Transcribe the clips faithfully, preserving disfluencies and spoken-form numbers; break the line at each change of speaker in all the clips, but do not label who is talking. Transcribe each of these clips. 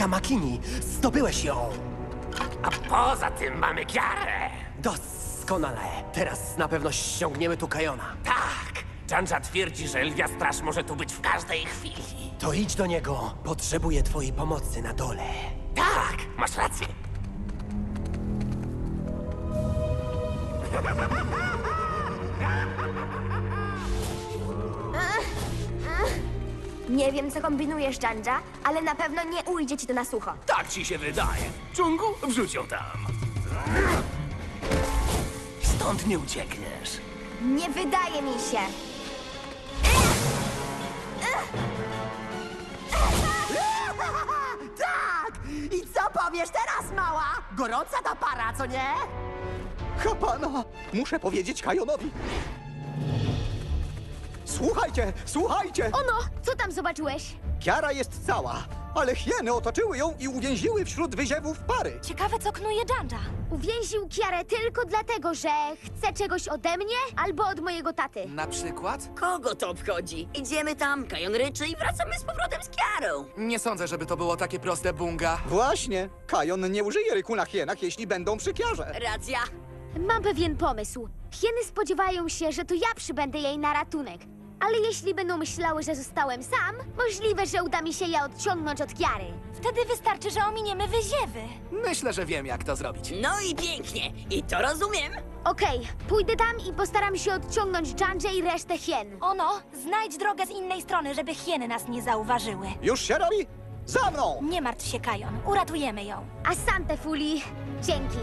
Tamakini! Zdobyłeś ją!
A poza tym mamy Kiarę.
Doskonale! Teraz na pewno ściągniemy tu Kajona.
Tak, Janja twierdzi, że Lwia Straż może tu być w każdej chwili.
To idź do niego. Potrzebuję twojej pomocy na dole.
Tak, masz rację.
Nie wiem, co kombinujesz, Janja, ale na pewno nie ujdzie ci to na sucho.
Tak ci się wydaje. Dżungu, wrzuć ją tam. Stąd nie uciekniesz.
Nie wydaje mi się.
Tak! I co powiesz teraz, mała? Gorąca ta para, co nie?
Kapana! Muszę powiedzieć Kajonowi. Słuchajcie, słuchajcie!
Ono, co tam zobaczyłeś?
Kiara jest cała, ale hieny otoczyły ją i uwięziły wśród wyziewów pary.
Ciekawe, co knuje Janja.
Uwięził Kiarę tylko dlatego, że chce czegoś ode mnie albo od mojego taty.
Na przykład?
Kogo to obchodzi? Idziemy tam, Kajon ryczy i wracamy z powrotem z Kiarą.
Nie sądzę, żeby to było takie proste, Bunga.
Właśnie, Kajon nie użyje ryku na hienach, jeśli będą przy Kiarze.
Racja.
Mam pewien pomysł. Hieny spodziewają się, że to ja przybędę jej na ratunek. Ale jeśli będą myślały, że zostałem sam, możliwe, że uda mi się je odciągnąć od Kiary.
Wtedy wystarczy, że ominiemy wyziewy.
Myślę, że wiem, jak to zrobić.
No i pięknie. I to rozumiem.
Okej, pójdę tam i postaram się odciągnąć Janję i resztę hien.
Ono, znajdź drogę z innej strony, żeby hieny nas nie zauważyły.
Już się robi? Za mną!
Nie martw się, Kajon. Uratujemy ją.
Asante, Fuli. Dzięki.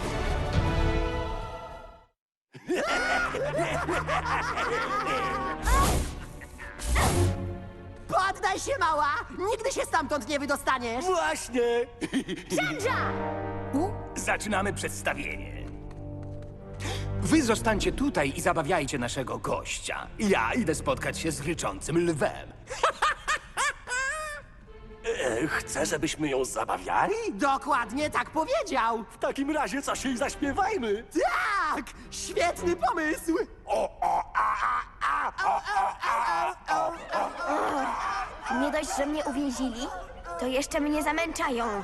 Poddaj się, mała! Nigdy się stamtąd nie wydostaniesz!
Właśnie.
Janja!
Zaczynamy przedstawienie. Wy zostańcie tutaj i zabawiajcie naszego gościa. Ja idę spotkać się z ryczącym lwem. E, Chce, żebyśmy ją zabawiali?
Dokładnie tak powiedział!
W takim razie coś jej zaśpiewajmy.
Tak! Świetny pomysł!
Nie dość, że mnie uwięzili, to jeszcze mnie zamęczają.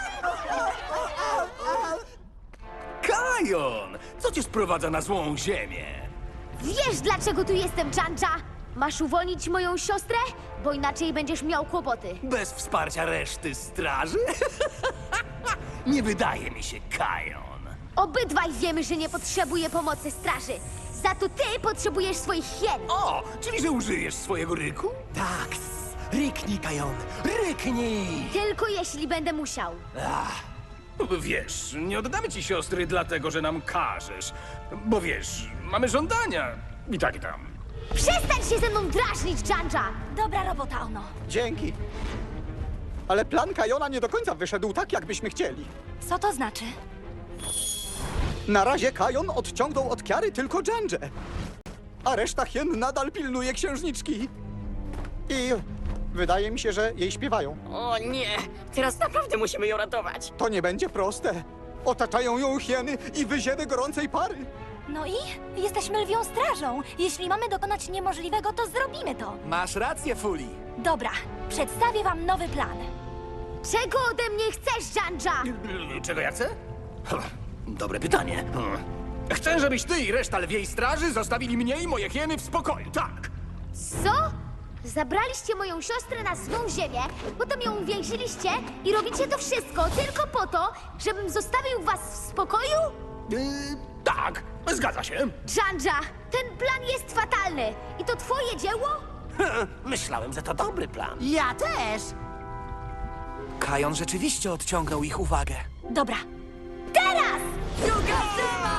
Kajon! Co cię sprowadza na złą ziemię?
Wiesz, dlaczego tu jestem, Janja? Masz uwolnić moją siostrę? Bo inaczej będziesz miał kłopoty.
Bez wsparcia reszty straży? Nie wydaje mi się, Kajon.
Obydwaj wiemy, że nie potrzebuję pomocy straży. Za to ty potrzebujesz swoich hien.
O, czyli że użyjesz swojego ryku?
Tak! Ryknij, Kajon! Ryknij!
Tylko jeśli będę musiał.
Wiesz, nie oddamy ci siostry dlatego, że nam każesz. Bo wiesz, mamy żądania. I tak i tam.
Przestań się ze mną drażnić, Janja!
Dobra robota, Ono.
Dzięki. Ale plan Kajona nie do końca wyszedł tak, jakbyśmy chcieli.
Co to znaczy?
Na razie Kajon odciągnął od Kiary tylko Janję. A reszta hien nadal pilnuje księżniczki. I wydaje mi się, że jej śpiewają.
O nie, teraz naprawdę musimy ją ratować.
To nie będzie proste. Otaczają ją hieny i wyziewy gorącej pary.
No i? Jesteśmy lwią strażą. Jeśli mamy dokonać niemożliwego, to zrobimy to.
Masz rację, Fuli.
Dobra, przedstawię wam nowy plan.
Czego ode mnie chcesz, Janja?
Czego ja chcę? Dobre pytanie. Chcę, żebyś ty i reszta lwiej straży zostawili mnie i moje hieny w spokoju, tak.
Co? Zabraliście moją siostrę na swą ziemię, potem ją uwięziliście i robicie to wszystko tylko po to, żebym zostawił was w spokoju?
Yy, tak, zgadza się.
Janja, ten plan jest fatalny. I to twoje dzieło?
Myślałem, że to dobry plan.
Ja też!
Kajon rzeczywiście odciągnął ich uwagę.
Dobra,
Teraz!
Druga